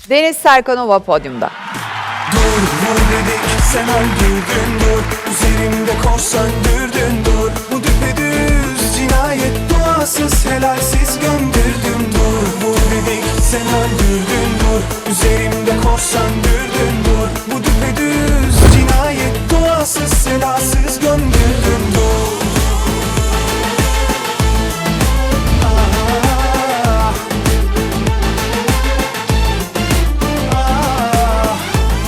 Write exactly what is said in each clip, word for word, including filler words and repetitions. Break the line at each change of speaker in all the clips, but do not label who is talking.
Deniz Serkanova podyumda.
Dur vur dedik sen öldürdün dur. Üzerimde kor söndürdün dur. Bu düpedüz cinayet, duasız helalsiz gömdürdüm. Dur vur dedik sen öldürdün dur. Üzerimde kor söndürdün dur. Bu düpedüz cinayet, duasız helalsiz gömdürdüm. Dur. Ah. Ah.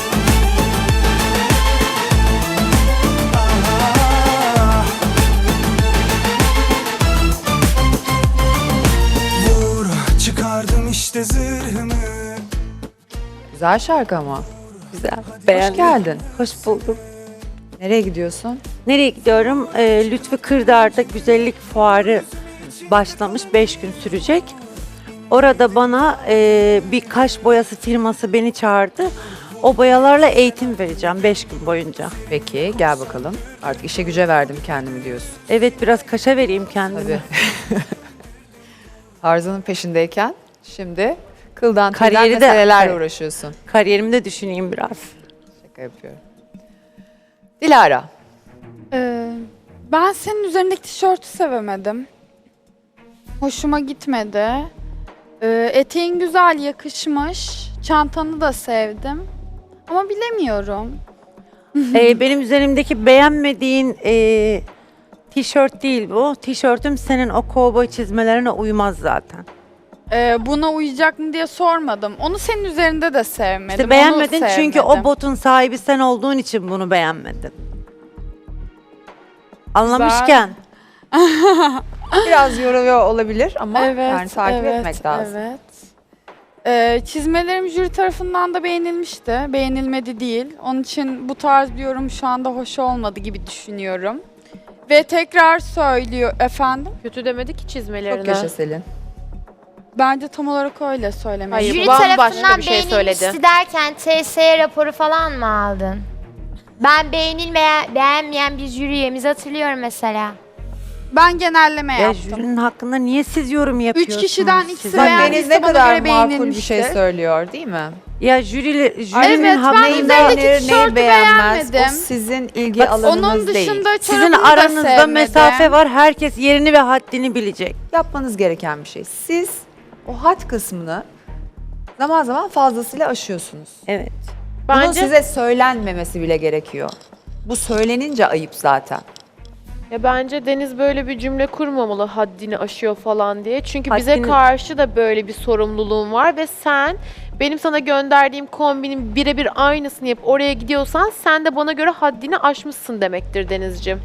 Vur, çıkardım işte zırhımı.
Güzel şarkı ama.
Güzel.
Hoş
Beğendim.
geldin.
Hoş buldum.
Nereye gidiyorsun?
Nereye gidiyorum? Ee, Lütfü Kırdar'da güzellik fuarı başlamış. Beş gün sürecek. Orada bana e, bir kaş boyası firması beni çağırdı. O boyalarla eğitim vereceğim beş gün boyunca.
Peki gel bakalım. Artık işe güce verdim kendimi diyorsun.
Evet, biraz kaşa vereyim kendime.
Tabii. Tarzının peşindeyken şimdi kıldan tüyden
Kariyeri de-
meselelerle
evet.
uğraşıyorsun.
Kariyerimi de düşüneyim biraz.
Şaka yapıyorum. Dilara.
Ee, ben senin üzerindeki tişörtü sevemedim. Hoşuma gitmedi. Ee, eteğin güzel yakışmış. Çantanı da sevdim. Ama bilemiyorum.
Ee, benim üzerimdeki beğenmediğin e, tişört değil bu. Tişörtüm senin o kovboy çizmelerine uymaz zaten.
Ee, buna uyacak mı diye sormadım. Onu senin üzerinde de sevmedim.
İşte
onu
beğenmedin çünkü o
sevmedim.
botun sahibi sen olduğun için bunu beğenmedin. Anlamışken.
Biraz yoruyor olabilir ama
Evet,
yani takip
evet,
etmek lazım.
Evet. Ee, çizmelerim jüri tarafından da beğenilmişti. Beğenilmedi değil. Onun için bu tarz bir yorum şu anda hoş olmadı gibi düşünüyorum. Ve tekrar söylüyor efendim.
Kötü demedi ki çizmelerine.
Çok yaşa Selin.
Bence tam olarak öyle söylemek.
Hayır,
Jüri
bu bambaşka
tarafından
bir şey
beğenilmişti
söyledi.
derken T S E raporu falan mı aldın? Ben beğenilmeyen, beğenmeyen bir jüri üyemizi hatırlıyorum mesela.
Ben genelleme
Ya
yaptım.
jürinin hakkında niye siz yorum yapıyorsunuz?
kişiden ikisi
Siz-
Bak
beğendiyse
Deniz ne
bana
kadar
göre
makul bir şey
beğenilmiştir.
söylüyor değil mi?
Ya jürili,
Evet,
jürinin
ben
hakkında
üzerindeki
Neyi
tişörtü
beğenir, neyi beğenmez. O
beğenmedim.
sizin ilgi
Bak,
alanınız
Onun
değil.
dışında
sizin
çorabını da
aranızda
sevmedim.
mesafe var. Herkes yerini ve haddini bilecek.
Yapmanız gereken bir şey. Siz o hat kısmını zaman zaman fazlasıyla aşıyorsunuz.
Evet.
Bunun
Bence
size söylenmemesi bile gerekiyor. Bu söylenince ayıp zaten.
ya bence Deniz böyle bir cümle kurmamalı haddini aşıyor falan diye. Çünkü bize
Haddini-
karşı da böyle bir sorumluluğun var ve sen benim sana gönderdiğim kombinin birebir aynısını yapıp oraya gidiyorsan sen de bana göre haddini aşmışsın demektir Denizciğim.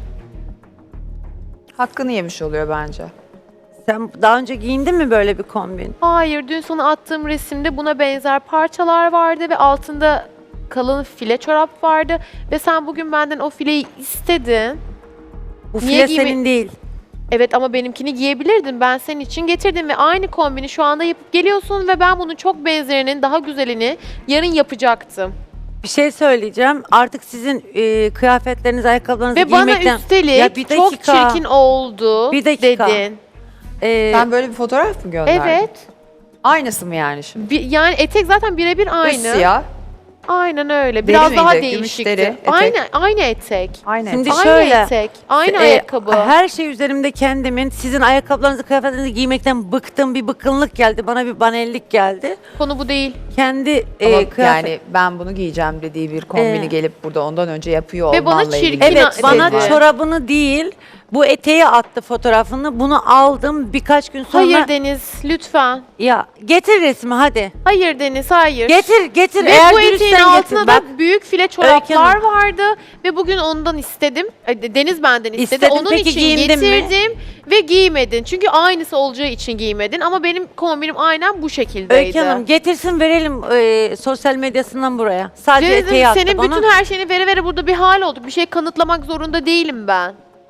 Hakkını yemiş oluyor bence.
Sen daha önce giyindin mi böyle bir kombin?
Hayır, dün sana attığım resimde buna benzer parçalar vardı ve altında kalın file çorap vardı ve sen bugün benden o fileyi istedin.
Bu
Niye
file
giyme-
senin değil.
Evet ama benimkini giyebilirdin. Ben senin için getirdim ve aynı kombini şu anda yapıp geliyorsun ve ben bunun çok benzerinin daha güzelini yarın yapacaktım.
Bir şey söyleyeceğim. Artık sizin e, kıyafetleriniz, ayakkabılarınızı
Ve bana
giymekten...
üstelik
Ya bir
çok
dakika.
çirkin oldu
Bir dakika.
dedin.
E,
Sen böyle bir fotoğraf mı gönderdin?
Evet.
Aynısı mı yani şimdi?
Bir, yani etek zaten birebir aynı.
Üst siyah,
Aynen öyle.
Deri
Biraz daha
miydi? Gümüş
değişikti.
deri, etek.
Aynı aynı etek.
aynı.
Şimdi
etek.
Aynı
şöyle,
etek. Aynı
e,
ayakkabı.
Her şey üzerimde kendimin, sizin ayakkabılarınızı, kıyafetlerinizi giymekten bıktım. Bir bıkkınlık geldi. Bana bir banellik geldi.
Konu bu değil.
Kendi
Ama
e, kıyafet...
yani ben bunu giyeceğim dediği bir kombini
Ee,
gelip burada ondan önce yapıyor
Ve bana
olmanla ilgili.
çirkin
Evet,
Yine
bana
dedi.
çorabını değil, bu eteği attı fotoğrafını. Bunu aldım birkaç gün sonra.
Hayır Deniz, lütfen.
Ya getir resmi hadi.
Hayır Deniz, hayır.
Getir, getir.
Ve
Eğer
bu eteğin
dürüstsen
altına
getir.
da
Bak,
büyük file
Öykü
çoraplar
Hanım.
vardı ve bugün ondan istedim. Ay, Deniz benden istedi.
İstedim,
Onun
peki
için
giyindin mi?
getirdim ve giymedin. Çünkü aynısı olacağı için giymedin ama benim kombinim aynen bu şekildeydi.
Öykü Hanım getirsin verelim e, sosyal medyasından buraya. Sadece
Deniz'im,
eteği attı
senin
bana.
bütün her şeyini vere vere burada bir hal olduk. Bir şey kanıtlamak zorunda değilim ben.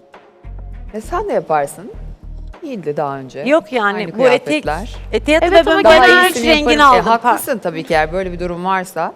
E sen de yaparsın. İyiydi daha önce.
Yok yani
Aynı
bu etek
kıyafetler.
eteği attı
Evet
ve
ama
ben
genel-
bana
Daha
üç
iyisini
rengini
yaparım.
aldım.
E, haklısın tabii ki eğer böyle bir durum varsa.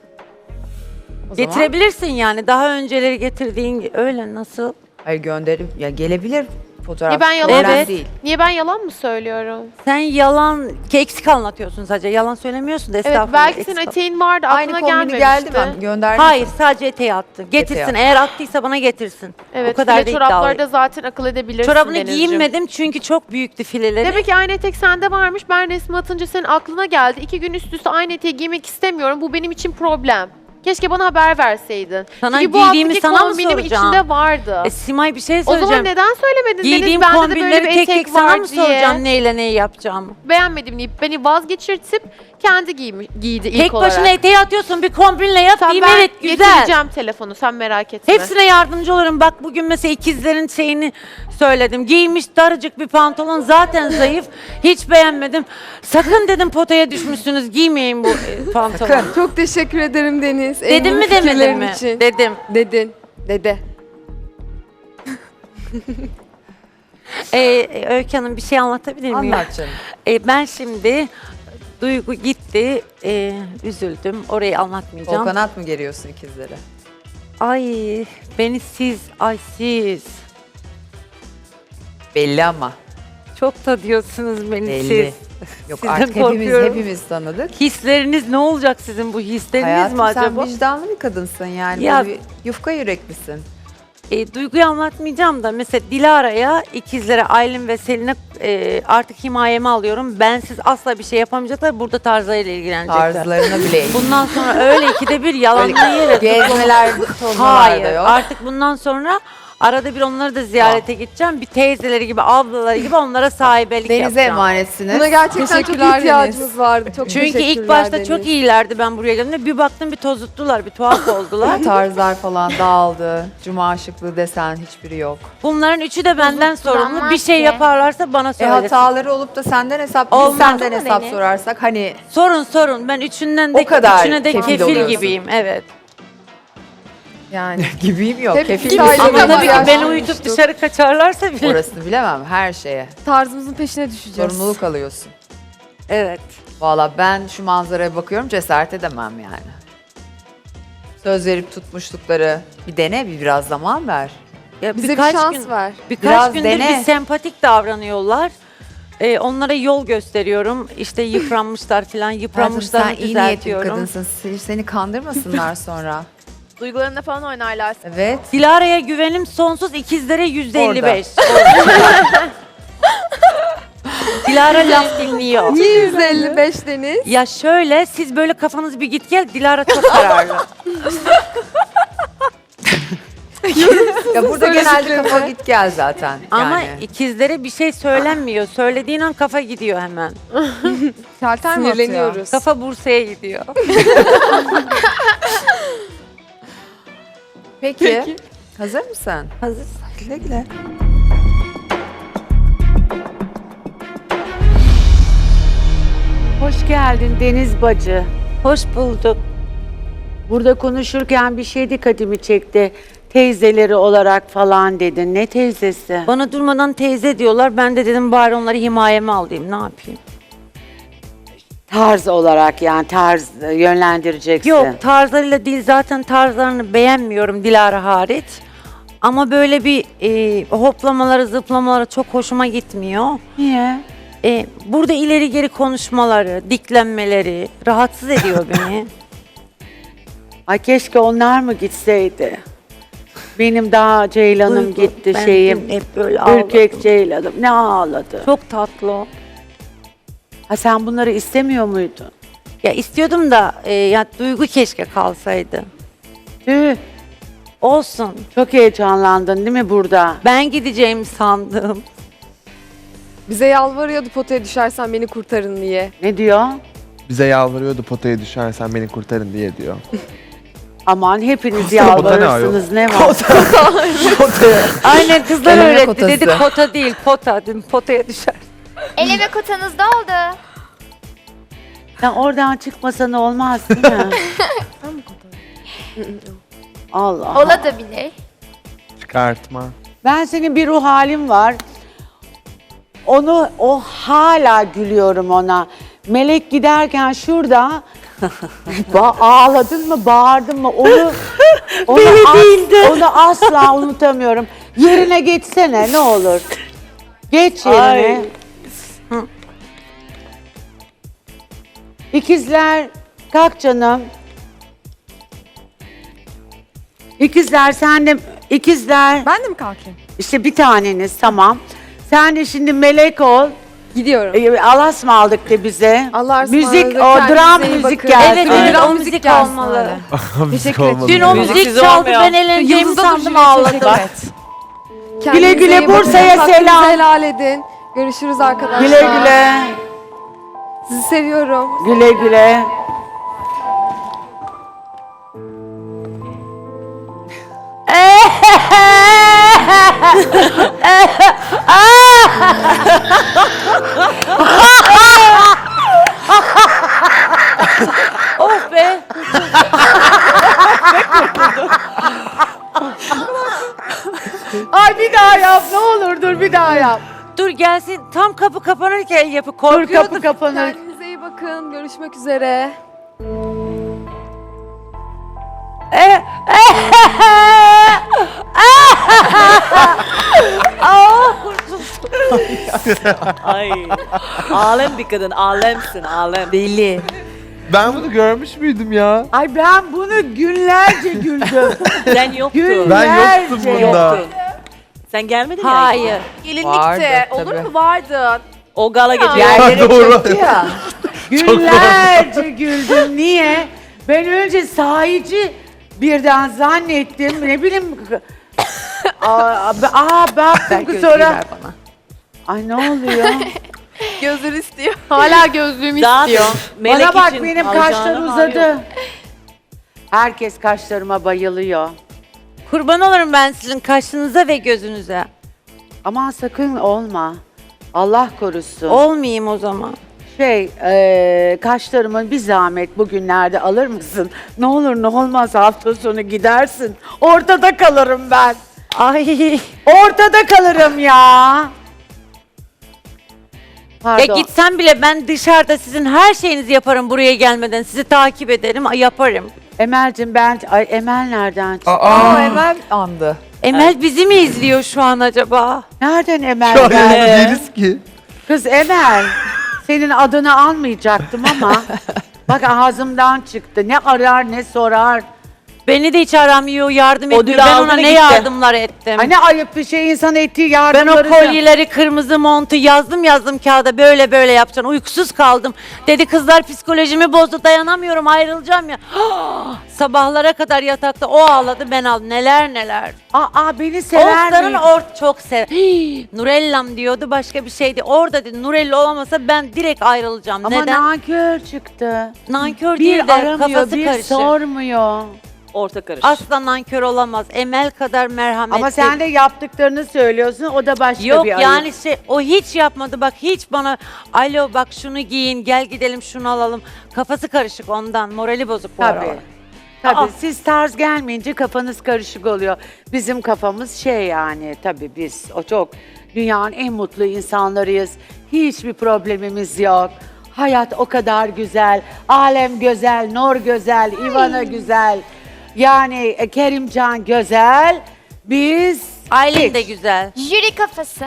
O zaman-
Getirebilirsin yani daha önceleri getirdiğin öyle nasıl?
Hayır gönderip ya gelebilir. Fotoğraf
Ya ben yalan-
problem
Evet.
değil.
Niye ben yalan mı söylüyorum?
Sen yalan, eksik anlatıyorsun sadece. Yalan söylemiyorsun da
Evet
estağfurullah.
belki
eksik
senin
al-
eteğin vardı
Aynı
aklına
kombini
gelmemişti.
geldi mi? Gönderdi
Hayır,
mi?
sadece eteği attı. Getirsin.
attı.
Eğer attıysa bana getirsin.
Evet
o kadar
file
da
çorapları da
iddialıyım.
zaten akıl edebilirsin
Çorabını
Denizciğim.
giyinmedim çünkü çok büyüktü fileleri.
Demek ki aynı etek sende varmış. Ben resmi atınca senin aklına geldi. İki gün üst üste aynı eteği giymek istemiyorum. Bu benim için problem. Keşke bana haber verseydin.
Sana
Çünkü bu
giydiğimi
haftaki
sana mı
kombinim
soracağım?
içinde vardı.
E, Simay bir şey
O zaman
söyleyeceğim.
neden söylemedin
Giydiğim
Deniz? Bende de böyle
kombinleri
bir
tek tek
etek
sana
var
mı
diye.
soracağım neyle neyi yapacağımı?
Beğenmedim deyip beni vazgeçirtip kendi giymi, giydi ilk
Tek
olarak.
başına eteği atıyorsun bir kombinle yap
Sen
diyeyim
ben
evet güzel.
getireceğim telefonu sen merak etme.
Hepsine yardımcı olurum. Bak bugün mesela ikizlerin şeyini söyledim. Giymiş daracık bir pantolon zaten zayıf. Hiç beğenmedim. Sakın dedim potaya düşmüşsünüz giymeyin bu e, pantolonu.
Çok teşekkür ederim Deniz.
Dedim
Engin
mi demedin
fikirlerin
mi?
için.
Dedim.
Dedin. Dede.
Ee, Öykü Hanım bir şey anlatabilir miyim?
Anlat canım.
Ee, ben şimdi Duygu gitti. Ee, üzüldüm. Orayı anlatmayacağım.
Kol kanat mı geriyorsun ikizlere?
Ay beni siz, ay siz.
Belli ama.
Çok da diyorsunuz beni
Belli.
siz.
Yok
Sizden
artık hepimiz
korkuyorum.
hepimiz tanıdık.
Hisleriniz ne olacak sizin bu hisleriniz
Hayatım
mi
sen
acaba?
vicdanlı bir kadınsın yani.
Ya-
Böyle bir yufka yüreklisin.
E, Duygu'yu anlatmayacağım da mesela Dilara'ya, ikizlere, Aylin ve Selin'e e, artık himayeme alıyorum. Bensiz asla bir şey yapamayacaklar. Burada tarzlarıyla ilgilenecekler.
Tarzlarına bile.
Bundan sonra öyle ikide bir yalanla yeriz.
Gezmeler, tozmalar da
Hayır.
yok.
Artık bundan sonra arada bir onları da ziyarete gideceğim. Bir teyzeleri gibi, ablaları gibi onlara sahibelik
Denize
yapacağım.
emanetsiniz.
Buna gerçekten çok
Teşekkürler
ihtiyacımız vardı. Çok
Çünkü ilk
teşekkürler
başta
Deniz.
çok iyilerdi ben buraya geldiğimde. Bir baktım bir tozuttular, bir tuhaf oldular.
Tarzlar falan dağıldı. Cuma şıklığı desen hiçbiri yok.
Bunların üçü de benden sorumlu. Bir
Bozulturamaz
şey
ki.
yaparlarsa bana
E
söylesin.
hataları olup da senden hesap, biz
Olmaz
senden
mı
hesap
Deniz?
sorarsak hani
Sorun sorun. Ben üçünden de
O kadar
üçüne de
kefil
kefil,
oluyorsun.
gibiyim. Evet.
Yani.
gibiyim yok.
Hep
Kefil
biz
misin?
aile
Ama
Ama
tabii ki
yaş
beni
olmuştuk.
uyutup dışarı kaçarlarsa bile.
Orasını bilemem her şeye.
Tarzımızın peşine düşeceğiz.
Sorumluluk alıyorsun.
Evet.
Valla ben şu manzaraya bakıyorum cesaret edemem yani. Söz verip tutmuşlukları bir dene bir biraz zaman ver.
Ya
Bize
birkaç
bir şans
gün,
ver.
Birkaç
Biraz
gündür
dene.
bir sempatik davranıyorlar. Ee, onlara yol gösteriyorum. İşte yıpranmışlar falan.
Hayatım
Yıpranmışlarını
sen iyi niyetli bir
düzeltiyorum.
kadınsın. Seni- Seni kandırmasınlar sonra.
Duygularında falan oynarlar.
Evet.
Dilara'ya güvenim sonsuz, ikizlere yüzde elli beş. Dilara laf dinliyor.
Niye yüz elli beş Deniz?
Ya şöyle, siz böyle kafanız bir git gel, Dilara çok kararlı.
Ya burada genelde kafa git gel zaten.
Ama
yani.
ikizlere bir şey söylenmiyor. Söylediğin an kafa gidiyor hemen.
Şalter mi atıyor?
Sinirleniyoruz.
Kafa Bursa'ya gidiyor.
Peki. Hazır mısın?
Hazır.
Güle güle.
Hoş geldin Deniz bacı.
Hoş bulduk.
Burada konuşurken bir şey dikkatimi çekti. Teyzeleri olarak falan dedin. Ne teyzesi?
Bana durmadan teyze diyorlar. Ben de dedim bari onları himayeme alayım. Ne yapayım?
Tarz olarak yani tarz e, yönlendireceksin.
Yok tarzlarıyla değil. Zaten tarzlarını beğenmiyorum Dilara hariç. Ama böyle bir e, hoplamaları, zıplamaları çok hoşuma gitmiyor.
Niye?
E, burada ileri geri konuşmaları, diklenmeleri rahatsız ediyor beni.
Ay keşke onlar mı gitseydi? Benim daha Ceylan'ım
Duygu,
gitti
ben
şeyim.
dün hep böyle ağladım.
Ürkek Ceylan'ım. Ne ağladı?
Çok tatlı o.
Ha sen bunları istemiyor muydun?
Ya istiyordum da e, ya Duygu keşke kalsaydı.
Tüh.
Olsun.
Çok heyecanlandın değil mi burada?
Ben gideceğimi sandım.
Bize yalvarıyordu potaya düşersen beni kurtarın diye.
Ne diyor?
Bize yalvarıyordu potaya düşersen beni kurtarın diye diyor.
Aman hepiniz
Pota ne ayol?
yalvarırsınız ne var?
Aynen kızlar
Eleme
öğretti.
kotası.
Dedik pota değil pota. Dedim potaya düşer.
Eleme kotanız da oldu.
Sen oradan çıkmasan olmaz değil mi? Allah.
Ola da bile.
Çıkartma.
Ben senin bir ruh halim var. Onu o hala gülüyorum ona. Melek giderken şurada ba- ağladın mı, bağırdın mı? Onu onu, as- onu asla unutamıyorum. Yerine geçsene ne olur. Geç
Ay.
yerine. İkizler, kalk canım. İkizler sen de, ikizler.
Ben de mi kalkayım?
İşte bir taneniz tamam. Sen de şimdi melek ol.
Gidiyorum.
Ee, Alas mı aldık de bize?
Allah'a
Müzik,
ısmarladık,
o
kendinize
dram
iyi
müzik
bakın.
gelsin.
Evet,
Aynen.
evet, o
Dram
müzik
gelsin
olmalı.
öyle.
Teşekkür
ederim.
Dün o
Müzik
müzik çaldı, ben eğleneceğimi
Yıldız'a
sandım,
düşmeye
ağladım.
teşekkür et.
Güle
Kendinize
güle
iyi bakın.
Bursa'ya
Hakkınızı
selam.
helal edin. Görüşürüz arkadaşlar.
Güle güle.
Sizi seviyorum.
Güle güle.
Of be.
Ay bir daha yap ne olur dur bir daha yap.
Dur gelsin, tam kapı kapanırken yapı
Dur
korkuyordum.
kapı kapanır.
Kendinize iyi bakın. Görüşmek üzere.
Ay. Alem bir kadın, alemsin, alem.
Deli.
Ben bunu görmüş müydüm ya?
Ay ben bunu günlerce güldüm.
Sen yoktun.
Gün-
Ben yoktum
Nerede?
bunda.
Yoktun. Sen gelmedin ya.
Hayır.
Vardı,
olur
tabii.
mu? Vardın.
O gala gece.
Yerlere
Doğru.
çöktü ya. Günlerce güldüm. Niye? Ben önce sahici birden zannettim. Ne bileyim. Aa, be- aa baktım
Ben
ki
gözlüğü
sonra.
ver bana.
Ay ne oluyor?
Gözünü istiyor. Hala gözlüğümü
Daha
istiyor.
Melek
Bana bak
için
benim
alacağını
kaşlar
mal
uzadı.
yok.
Herkes kaşlarıma bayılıyor.
Kurban olurum ben sizin kaşınıza ve gözünüze.
Aman sakın olma. Allah korusun.
Olmayayım o zaman.
Şey, eee kaşlarımın bir zahmet bugünlerde alır mısın? Ne olur ne olmaz hafta sonu gidersin. Ortada kalırım ben.
Ay.
Ortada kalırım ya. Pardon.
Ya gitsem bile ben dışarıda sizin her şeyinizi yaparım buraya gelmeden. Sizi takip ederim, ay, yaparım.
Emel'cim ben... Ay Emel nereden çıktı?
Aa, hemen andı.
Emel bizi mi izliyor şu an acaba?
Nereden Emel
Şu an
geldi?
yanında değiliz ki.
Kız Emel, senin adını almayacaktım ama bak ağzımdan çıktı. Ne arar ne sorar.
Beni de hiç aramıyor, yardım etmiyor.
Ödül
Ben
aldı
ona
ve
ne
gitti.
yardımlar ettim.
Ay ne ayıp bir şey insan ettiği
Ben o
yardımları.
kolyeleri, kırmızı montu yazdım yazdım kağıda, böyle böyle yapacaksın. Uykusuz kaldım. Dedi kızlar psikolojimi bozdu, dayanamıyorum, ayrılacağım ya. Sabahlara kadar yatakta o ağladı, ben ağladım. Neler neler.
Aa beni sever
Oğuzların
mi?
or çok sever. Hii, Nurellam diyordu, başka bir şeydi. Orada dedi Nurella olamasa ben direkt ayrılacağım.
Ama
Neden?
nankör çıktı.
Nankör
Bir
değil de
aramıyor,
kafası
bir
karışık.
sormuyor.
Orta karış.
Asla nankör olamaz. Emel kadar merhametli.
Ama sen de yaptıklarını söylüyorsun, o da başka
Yok
bir ayıp.
yani şey, o hiç yapmadı, bak hiç bana alo bak şunu giyin, gel gidelim şunu alalım. Kafası karışık ondan, morali bozuk bu
Tabii.
aralar.
Tabii
Aa.
siz tarz gelmeyince kafanız karışık oluyor. Bizim kafamız şey yani tabii biz o çok dünyanın en mutlu insanlarıyız. Hiçbir problemimiz yok. Hayat o kadar güzel. Alem güzel, Nur güzel, Ivana güzel. Yani e, Kerimcan güzel. Biz
Aylin
hiç.
de güzel.
Jüri kafası.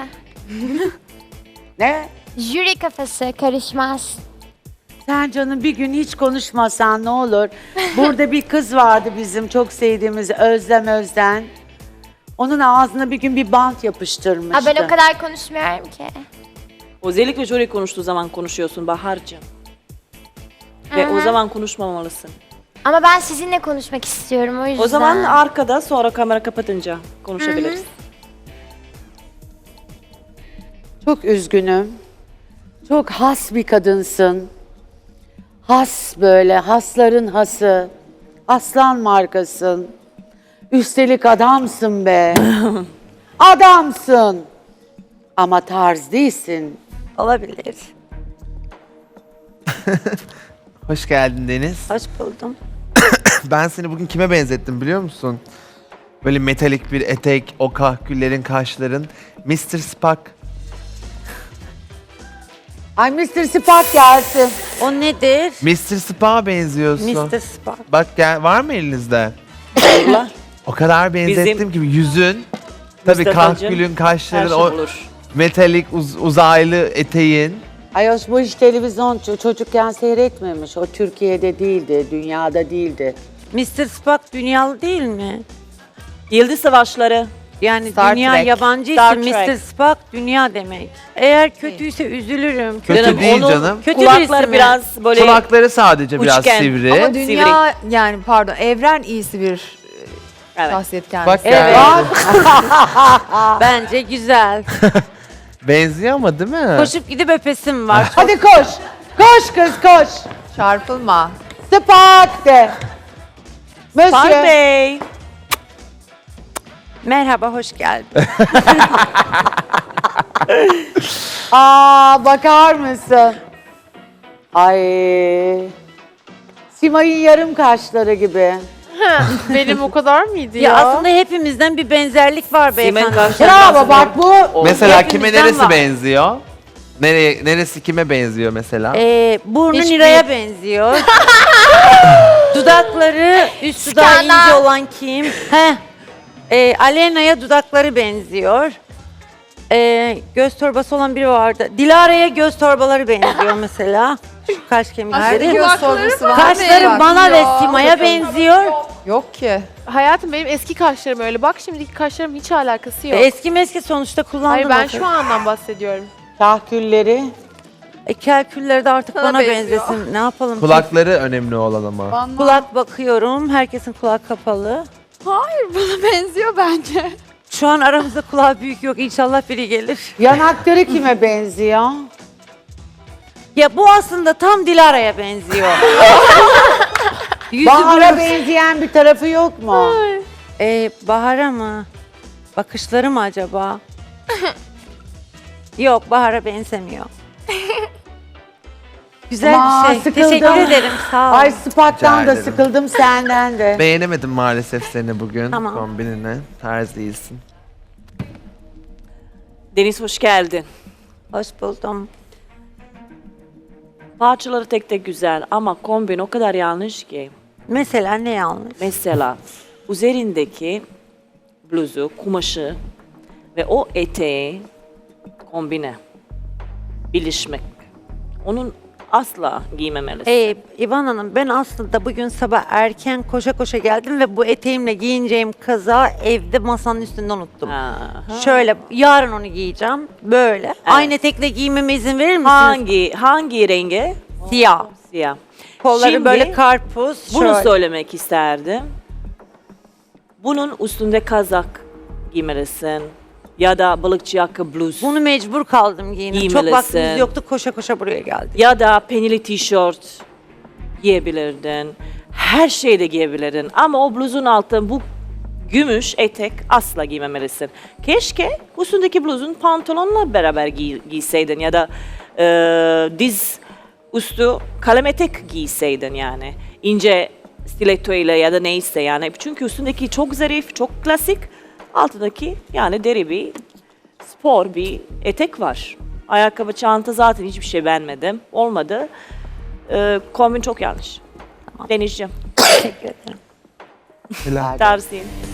Ne?
Jüri kafası karışmaz.
Sen canım bir gün hiç konuşmasan ne olur. Burada bir kız vardı bizim çok sevdiğimiz Özlem Özden. Onun ağzına bir gün bir bant yapıştırmıştı.
Ha, ben o kadar konuşmuyorum ki.
Özellikle jüri konuştuğu zaman konuşuyorsun Bahar'cığım. Ve
Hı
o
hı.
zaman konuşmamalısın.
Ama ben sizinle konuşmak istiyorum o yüzden.
O zaman arkada sonra kamera kapatınca konuşabiliriz.
Çok üzgünüm. Çok has bir kadınsın. Has böyle, hasların hası. Aslan markasın. Üstelik adamsın be. Adamsın. Ama tarz değilsin.
Olabilir.
Hoş geldin Deniz.
Hoş buldum.
Ben seni bugün kime benzettim biliyor musun? Böyle metalik bir etek, o kahküllerin, kaşların. mister Spock.
Ay mister Spock gelsin.
O nedir?
mister Spock'a benziyorsun.
mister Spock.
Bak gel, var mı elinizde?
Allah.
O kadar benzettim ki yüzün. Tabii
Mustafa'cığım,
kahkülün,
Her
kaşların,
şey
o
olur.
metalik uz- uzaylı eteğin.
Ayos bu hiç televizyon ço- çocukken seyretmemiş. O Türkiye'de değildi, dünyada değildi.
mister Spock dünyalı değil mi?
Yıldız Savaşları.
Yani
Star
dünya
Trek.
yabancı
Star
isim
Trek.
mister Spock dünya demek. Eğer kötüyse üzülürüm.
Kötü
Canım,
değil
onun
canım.
Kötü birisi
Kulakları
mi?
biraz böyle
Kulakları sadece biraz
uçgen.
sivri.
Ama dünya yani pardon evren iyisi bir e,
Evet.
şahsiyet kendisi.
Bak
Evet.
ya.
Bence güzel.
Benziyor ama değil mi?
Koşup gidip öpesim var.
Hadi koş. Koş kız koş.
Çarpılma.
Spark de.
Fark
Monsieur.
Bey.
Merhaba, hoş geldin.
Aa bakar mısın? Ay. Simay'ın yarım kaşları gibi.
Benim o kadar mıydı
Ya
ya?
aslında hepimizden bir benzerlik var
Simen
beyefendi.
karşı-
Bravo bak bu.
Mesela
Hepimizden
kime neresi
var.
benziyor? Nereye, neresi kime benziyor mesela?
Ee, burnu
Hiçbir-
Nira'ya benziyor. Dudakları, üst dudağı
Skandal.
ince olan kim? Heh. Ee, Alena'ya dudakları benziyor. Ee, göz torbası olan biri vardı. Dilara'ya göz torbaları benziyor mesela. Şu kaş kemikleri.
göz torbası var.
Kaşları
Bak
bana
ya.
ve Sima'ya benziyor.
Yok ki.
Hayatım benim eski kaşlarım öyle. Bak şimdiki kaşlarım hiç alakası yok.
Eski meski sonuçta kullandım.
Hayır ben
o
şu
kadar.
andan bahsediyorum.
Kahkülleri.
E, kelkülleri de artık
Sana
bana
benziyor.
benzesin. Ne yapalım?
Kulakları önemli olan ama.
Bana,
Kulak bakıyorum. Herkesin kulak kapalı.
Hayır bana benziyor bence.
Şu an aramızda kulağı büyük yok. İnşallah biri gelir.
Yanakları kime benziyor?
Ya bu aslında tam Dilara'ya benziyor. Yüzü
Bahar'a
burnu-
benzeyen bir tarafı yok mu?
Ee, Bahar'a mı? Bakışları mı acaba? Yok, Bahar'a benzemiyor. Güzel
Aman,
bir şey.
sıkıldım.
Teşekkür ederim. Sağ ol.
Ay Spak'tan
Rica
da
ederim.
sıkıldım senden de.
Beğenemedim maalesef seni bugün
Tamam.
kombinine. Tarz değilsin.
Deniz hoş geldin.
Hoş buldum.
Parçaları tek tek güzel ama kombin o kadar yanlış ki.
Mesela ne yanlış?
Mesela üzerindeki bluzu, kumaşı ve o eteği kombine, birleşmek. Onun asla giymemelisin.
Ee, İvan Hanım, ben aslında bugün sabah erken koşa koşa geldim ve bu eteğimle giyineceğim kazağı evde masanın üstünde unuttum.
Aha.
Şöyle, yarın onu giyeceğim. Böyle. Aynı etekle giymeme izin verir misiniz?
Hangi hangi rengi?
Siyah.
Siyah.
Kolları
Şimdi
böyle karpuz.
Bunu
şöyle.
söylemek isterdim. Bunun üstünde kazak giymelisin ya da balıkçı yaka bluz
Bunu mecbur kaldım giyinip. Çok
Giymelisin.
vaktimiz yoktu, koşa koşa buraya geldik.
ya da penili tişört giyebilirdin. Her şeyi de giyebilirdin ama o bluzun altında bu gümüş etek asla giymemelisin. Keşke üstündeki bluzun pantolonla beraber giy- giyseydin ya da e, diz üstü kalem etek giyseydin yani. İnce stiletto ile ya da neyse yani. Çünkü üstündeki çok zarif, çok klasik. Altındaki yani deri bir spor bir etek var. Ayakkabı, çanta zaten hiçbir şey beğenmedim. Olmadı. Ee, kombin çok yanlış. Denizciğim,
Teşekkür ederim.
tavsiyem.